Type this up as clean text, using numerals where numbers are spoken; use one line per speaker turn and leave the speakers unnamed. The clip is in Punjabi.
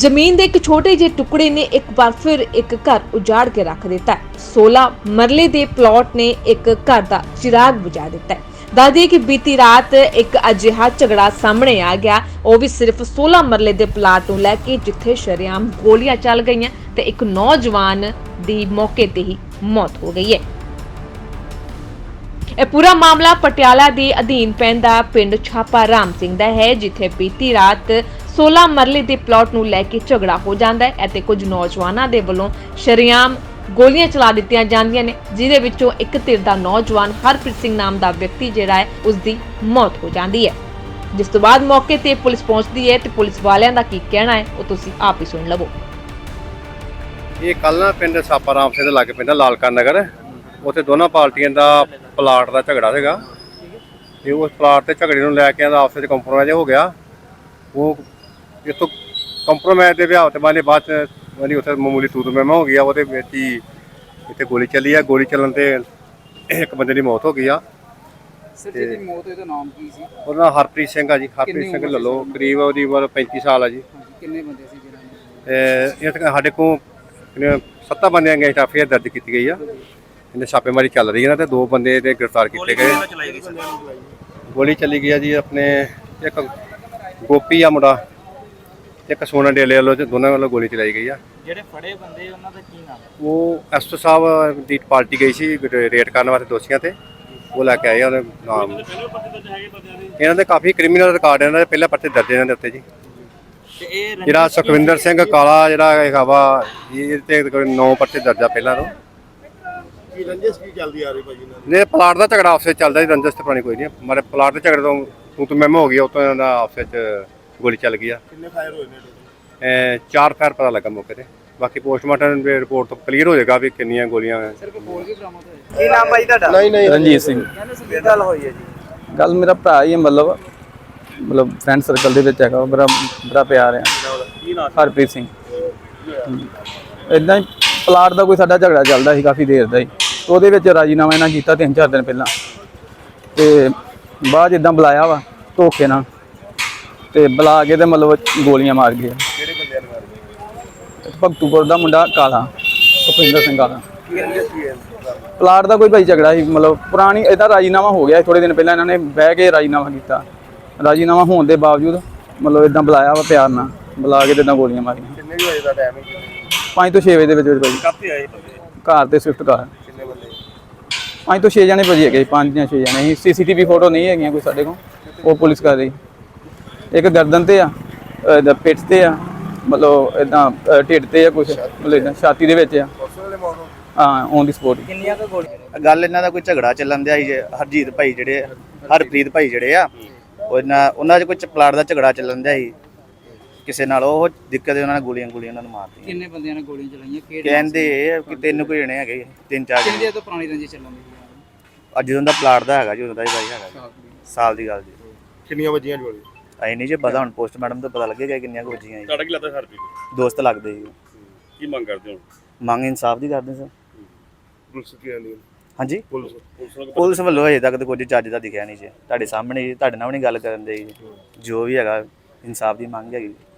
ਜ਼ਮੀਨ ਦੇ ਇੱਕ ਛੋਟੇ ਜਿਹੇ ਟੁਕੜੇ ਨੇ ਇੱਕ ਵਾਰ ਫਿਰ ਇੱਕ ਘਰ ਉਜਾੜ ਕੇ ਰੱਖ ਦਿੱਤਾ ਹੈ। 16 ਮਰਲੇ ਦੇ ਪਲਾਟ ਨੇ ਇੱਕ ਘਰ ਦਾ ਚਿਰਾਗ ਬੁਝਾ ਦਿੱਤਾ ਹੈ। ਦੱਸਦੀ ਕਿ ਬੀਤੀ ਰਾਤ ਇੱਕ ਅਜਿਹਾ ਝਗੜਾ ਸਾਹਮਣੇ ਆ ਗਿਆ, ਉਹ ਵੀ ਸਿਰਫ 16 ਮਰਲੇ ਦੇ ਪਲਾਟ ਨੂੰ ਲੈ ਕੇ, ਜਿੱਥੇ ਸ਼ਰੇਆਮ ਗੋਲੀਆਂ ਚੱਲ ਗਈਆਂ ਤੇ ਇੱਕ ਨੌਜਵਾਨ ਦੀ ਮੌਕੇ ਤੇ ਹੀ ਮੌਤ ਹੋ ਗਈ ਹੈ। ਇਹ ਪੂਰਾ ਮਾਮਲਾ ਪਟਿਆਲਾ ਦੇ ਅਧੀਨ ਪੈਂਦਾ ਪਿੰਡ ਛਾਪਾ ਰਾਮ ਸਿੰਘ ਦਾ ਹੈ, ਜਿੱਥੇ ਬੀਤੀ ਰਾਤ 16 ਮਰਲੇ ਦੇ ਪਲਾਟ ਨੂੰ ਲੈ ਕੇ ਝਗੜਾ ਹੋ ਜਾਂਦਾ ਹੈ ਅਤੇ ਕੁਝ ਨੌਜਵਾਨਾਂ ਦੇ ਵੱਲੋਂ ਸ਼ਰੇਆਮ ਗੋਲੀਆਂ ਚਲਾ ਦਿੱਤੀਆਂ ਜਾਂਦੀਆਂ ਨੇ, ਜਿਹਦੇ ਵਿੱਚੋਂ ਇੱਕ ਧਿਰ ਦਾ ਨੌਜਵਾਨ ਹਰਪ੍ਰੀਤ ਸਿੰਘ ਨਾਮ ਦਾ ਵਿਅਕਤੀ ਜਿਹੜਾ ਹੈ ਉਸ ਦੀ ਮੌਤ ਹੋ ਜਾਂਦੀ ਹੈ। ਜਿਸ ਤੋਂ ਬਾਅਦ ਮੌਕੇ ਤੇ ਪੁਲਿਸ ਪਹੁੰਚਦੀ ਹੈ ਤੇ ਪੁਲਿਸ ਵਾਲਿਆਂ ਦਾ ਕੀ ਕਹਿਣਾ ਹੈ ਉਹ ਤੁਸੀਂ ਆਪ ਹੀ ਸੁਣ ਲਵੋ।
ਇਹ ਕੱਲ ਨਾ ਪਿੰਡ ਛਾਪਾ ਰਾਮ ਸਿੰਘ ਦੇ ਲਾਗੇ ਪੈਂਦਾ ਲਾਲਕਾ ਨਗਰ, ਉੱਥੇ ਦੋਨਾਂ ਪਾਰਟੀਆਂ ਦਾ ਪਲਾਟ ਦਾ ਝਗੜਾ ਸੀਗਾ ਤੇ ਉਸ ਪਲਾਟ ਤੇ ਝਗੜੇ ਨੂੰ ਲੈ ਕੇ ਆਪਸ ਵਿੱਚ ਕੰਪਰੋਮਾਈਜ਼ ਹੋ ਗਿਆ। ਉਹ ਇੱਥੋਂ ਕੰਪਰੋਮਾਈਜ਼ ਦੇ ਵਿਆਹ ਤੇ ਬਾਅਦ ਚ ਉੱਥੇ ਮਾਮੂਲੀ ਤੂਤ ਮਹਿਮਾ ਹੋ ਗਿਆ, ਉਹਦੇ ਵਿੱਚ ਹੀ ਇੱਥੇ ਗੋਲੀ ਚੱਲੀ ਆ। ਗੋਲੀ ਚੱਲਣ ਤੇ ਇੱਕ ਬੰਦੇ ਦੀ ਮੌਤ ਹੋ ਗਈ ਆ।
ਸਰ ਜਿਹਦੀ ਮੌਤ ਉਹਦਾ ਨਾਮ ਕੀ ਸੀ?
ਉਹਦਾ ਨਾਮ ਹਰਪ੍ਰੀਤ ਸਿੰਘ ਆ ਜੀ। ਹਰਪ੍ਰੀਤ ਸਿੰਘ ਲੱਲੋ, ਕਰੀਬ ਉਹਦੀ ਉਮਰ 35 ਸਾਲ ਆ ਜੀ।
ਕਿੰਨੇ ਬੰਦੇ ਸੀ ਜਿਹਨਾਂ
ਇਹ ਸਾਡੇ ਕੋਲ 7 ਬੰਦਿਆਂ ਦੀਆਂ ਐਫਆਈਆਰ ਦਰਜ ਕੀਤੀ ਗਈ ਆ। ਇਹਨੇ ਛਾਪੇਮਾਰੀ ਚੱਲ ਰਹੀ ਹੈ ਨਾ ਤੇ 2 ਬੰਦੇ ਤੇ ਗ੍ਰਿਫਤਾਰ ਕੀਤੇ ਗਏ। ਗੋਲੀ ਚੱਲੀ ਗਈ ਆ ਜੀ ਆਪਣੇ ਇੱਕ ਗੋਪੀ ਆ ਮੁੰਡਾ, ਇੱਕ ਸੋਨਾ ਡੇਲੇ ਵੱਲੋਂ, ਦੋਨਾਂ ਵੱਲੋਂ ਗੋਲੀ ਚਲਾਈ ਗਈ ਆ।
ਜਿਹੜੇ ਫੜੇ ਬੰਦੇ ਉਹਨਾਂ ਦਾ ਕੀ ਨਾਮ?
ਉਹ ਐਸਟੋ ਸਾਹਿਬ ਦੀ ਪਾਰਟੀ ਗਈ ਸੀ ਰੇਟ ਕਰਨ ਵਾਸਤੇ ਦੋਸ਼ੀਆਂ ਤੇ, ਉਹ ਲੈ ਕੇ ਆਏ ਉਹਦੇ ਨਾਮ। ਇਹਨਾਂ ਦੇ ਕਾਫੀ ਕ੍ਰਿਮੀਨਲ ਰਿਕਾਰਡ ਇਹਨਾਂ ਦੇ, ਪਹਿਲਾਂ ਪਰਚੇ ਦਰਜ ਇਹਨਾਂ ਦੇ ਉੱਤੇ ਜੀ। ਜਿਹੜਾ ਸੁਖਵਿੰਦਰ ਸਿੰਘ ਕਾਲਾ ਜਿਹੜਾ ਹੈਗਾ ਵਾ, ਇਹ ਤੇ 9 ਪਰਚੇ ਦਰਜ ਆ ਪਹਿਲਾਂ ਤੋਂ।
ਕੀ ਰੰਜਿਸ਼ ਕੀ ਚੱਲਦੀ ਆ ਰਹੀ ਭਾਜੀ ਨਾਲ?
ਨੇ ਪਲਾਟ ਦਾ ਝਗੜਾ ਆਪਸ ਵਿੱਚ ਚੱਲਦਾ ਜੀ, ਰੰਜਿਸ਼ ਤੇ ਪਾਣੀ ਕੋਈ ਨਹੀਂ। ਮਾਰੇ ਪਲਾਟ ਦੇ ਝਗੜੇ ਤੋਂ ਤੂੰ ਮਹਿਮਾ ਹੋ ਗਈ, ਉਤੋਂ ਇਹਨਾਂ ਦਾ ਆਪਸ ਵਿੱਚ ਗੋਲੀ ਚੱਲ ਗਈ ਆ।
ਕਿੰਨੇ ਫਾਇਰ ਹੋਏ ਨੇ?
4 ਫਾਇਰ ਪਤਾ ਲੱਗਾ ਮੌਕੇ ਤੇ, ਬਾਕੀ ਪੋਸਟਮਾਰਟਮ ਦੀ ਰਿਪੋਰਟ ਤੋਂ ਕਲੀਅਰ ਹੋ ਜਾਏਗਾ ਵੀ ਕਿੰਨੀਆਂ ਗੋਲੀਆਂ।
ਸਰ ਕੋਈ ਬੋਲ ਵੀ ਬਰਾਮਦ ਹੋਇਆ? ਕੀ ਨਾਮ ਭਾਈ ਤੁਹਾਡਾ?
ਨਹੀਂ
ਰਣਜੀਤ ਸਿੰਘ।
ਕੀ ਗੱਲ ਹੋਈ ਹੈ ਜੀ?
ਗੱਲ ਮੇਰਾ ਭਰਾ ਹੀ ਹੈ, ਮਤਲਬ ਫਰੈਂਡ ਸਰਕਲ ਦੇ ਵਿੱਚ ਹੈਗਾ, ਬੜਾ ਪਿਆਰ ਹੈ। ਹਰਪ੍ਰੀਤ ਸਿੰਘ। ਇਦਾਂ ਹੀ ਪਲਾਟ ਦਾ ਕੋਈ ਸਾਡਾ ਝਗੜਾ ਚੱਲਦਾ ਸੀ ਕਾਫੀ ਦੇਰ ਦਾ ਹੀ, ਉਹਦੇ ਵਿੱਚ ਰਾਜੀਨਾਮਾ ਇਹਨਾਂ ਕੀਤਾ 3-4 ਦਿਨ ਪਹਿਲਾਂ, ਤੇ ਬਾਅਦ ਇਦਾਂ ਬੁਲਾਇਆ ਵਾ ਧੋਖੇ ਨਾਲ, ਤੇ ਬੁਲਾ ਕੇ ਤੇ ਮਤਲਬ ਗੋਲੀਆਂ ਮਾਰ ਗਏ।
ਕਿਹੜੇ ਬੰਦਿਆਂ ਨੇ ਮਾਰੇ?
ਭਗਤੂਪੁਰ ਦਾ ਮੁੰਡਾ ਕਾਲਾ, ਸੁਖਵਿੰਦਰ ਸਿੰਘ ਕਾਲਾ।
ਕੀ ਰੰਜਿਸ਼ ਕੀ ਹੈ?
ਪਲਾਟ ਦਾ ਕੋਈ ਭਾਈ ਝਗੜਾ ਸੀ, ਮਤਲਬ ਪੁਰਾਣੀ ਇਹਦਾ ਰਾਜੀਨਾਮਾ ਹੋ ਗਿਆ ਥੋੜੇ ਦਿਨ ਪਹਿਲਾਂ, ਇਹਨਾਂ ਨੇ ਬਹਿ ਕੇ ਰਾਜੀਨਾਮਾ ਕੀਤਾ। ਰਾਜੀਨਾਮਾ ਹੋਣ ਦੇ ਬਾਵਜੂਦ ਮਤਲਬ ਇਦਾਂ ਬੁਲਾਇਆ ਵਾ ਪਿਆਰ ਨਾਲ, ਬੁਲਾ ਕੇ ਤੇ ਇਦਾਂ ਗੋਲੀਆਂ ਮਾਰੀਆਂ।
ਕਿੰਨੇ ਵਜੇ ਦਾ ਟਾਈਮ ਹੈ?
5 ਤੋਂ 6 ਵਜੇ ਦੇ ਵਿੱਚ ਭਾਈ।
ਕਾਫੀ ਆਏ ਬੰਦੇ?
ਘਰ ਤੇ ਸਵਿਫਟ ਕਾਰ।
ਕਿੰਨੇ ਬੰਦੇ?
5 ਤੋਂ 6 ਜਣੇ ਭਾਜੀ ਹੈਗੇ, 5 ਜਾਂ 6 ਜਣੇ। ਸੀਸੀਟੀਵੀ ਫੋਟੋ ਨਹੀਂ ਹੈਗੀਆਂ ਕੋਈ ਸਾਡੇ ਕੋਲ, ਉਹ ਪੁਲਿਸ ਕਰ ਰਹੀ। ਇੱਕ ਗਰਦਨ ਤੇ ਆ, ਪਿੱਠ ਤੇ ਆ, ਮਤਲਬ ਇਦਾਂ ਢਿੱਡ ਤੇ ਆ, ਕੁਛ ਮਤਲਬ ਇਦਾਂ ਛਾਤੀ ਦੇ ਵਿੱਚ ਆ। ਹਾਂ, ਔਨ ਦੀ ਸਪੋਟ।
ਕਿੰਨੀਆਂ ਕੁ ਗੋਲੀਆਂ?
ਗੱਲ ਇਹਨਾਂ ਦਾ ਕੋਈ ਝਗੜਾ ਚੱਲਣ ਦਿਆ ਸੀ। ਹਰਜੀਤ ਭਾਈ ਜਿਹੜੇ, ਹਰਪ੍ਰੀਤ ਭਾਈ ਜਿਹੜੇ ਆ, ਉਹਨਾਂ 'ਚ ਕੋਈ ਪਲਾਟ ਦਾ ਝਗੜਾ ਚੱਲਣ ਦਿਆ ਸੀ ਕਿਸੇ ਨਾਲ। ਉਹ ਦਿੱਕਤ ਉਹਨਾਂ ਨੇ ਗੋਲੀਆਂ ਉਹਨਾਂ ਨੂੰ ਮਾਰਤੀਆਂ।
ਕਿੰਨੇ ਬੰਦਿਆਂ ਨੇ ਗੋਲੀਆਂ ਚਲਾਈਆਂ? ਕਿਹੜੇ
ਕਹਿੰਦੇ ਕਿ 3 ਕੋਈ ਜਣੇ ਹੈਗੇ, 3-4
ਕਿੰਨੇ
ਜਣੇ।
ਦਿਨ ਤੋਂ ਪੁਰਾਣੀ ਰੰਜਿਸ਼ ਚੱਲਣ ਦੀ?
ਅੱਜ ਜਦੋਂ ਦਾ ਪਲਾਟ ਦਾ ਹੈਗਾ ਜੀ, ਉਦੋਂ ਦਾ ਹੀ ਭਾਈ ਹੈਗਾ, ਸਾਲ ਦੀ ਗੱਲ ਜੀ।
ਕਿੰਨੀਆਂ ਵੱਜੀਆਂ ਗੋਲੀ?
ਅਸੀਂ ਨਹੀਂ ਜੇ ਪਤਾ, ਹੁਣ ਪੋਸਟਮਾਰਟਮ ਤੋਂ ਪਤਾ ਲੱਗੇਗਾ ਕਿੰਨੀਆਂ ਕੁ ਵੱਜੀਆਂ ਜੀ।
ਤੁਹਾਡਾ ਕੀ ਲੱਗਦਾ ਹਰਪ੍ਰੀਤ?
ਦੋਸਤ ਲੱਗਦੇ ਜੀ।
ਕੀ ਮੰਗ ਕਰਦੇ ਹੋ?
ਮੰਗ ਇਨਸਾਫ ਦੀ ਕਰਦੇ ਸਰ।
ਪੁਲਿਸ ਕੀ ਆਂਦੀ?
ਹਾਂਜੀ,
ਪੁਲਿਸ
ਪੁਲਿਸ ਵੱਲੋਂ ਹਜੇ ਤੱਕ ਤਾਂ ਕੁਝ ਚੱਜ ਦਾ ਦਿਖਿਆ ਨਹੀਂ ਜੀ। ਤੁਹਾਡੇ ਸਾਹਮਣੇ ਤੁਹਾਡੇ ਨਾਲ ਵੀ ਨਹੀਂ ਗੱਲ ਕਰਨ ਦੇ ਜੀ। ਜੋ ਵੀ ਹੈਗਾ ਇਨਸਾਫ ਦੀ ਮੰਗ ਹੈਗੀ।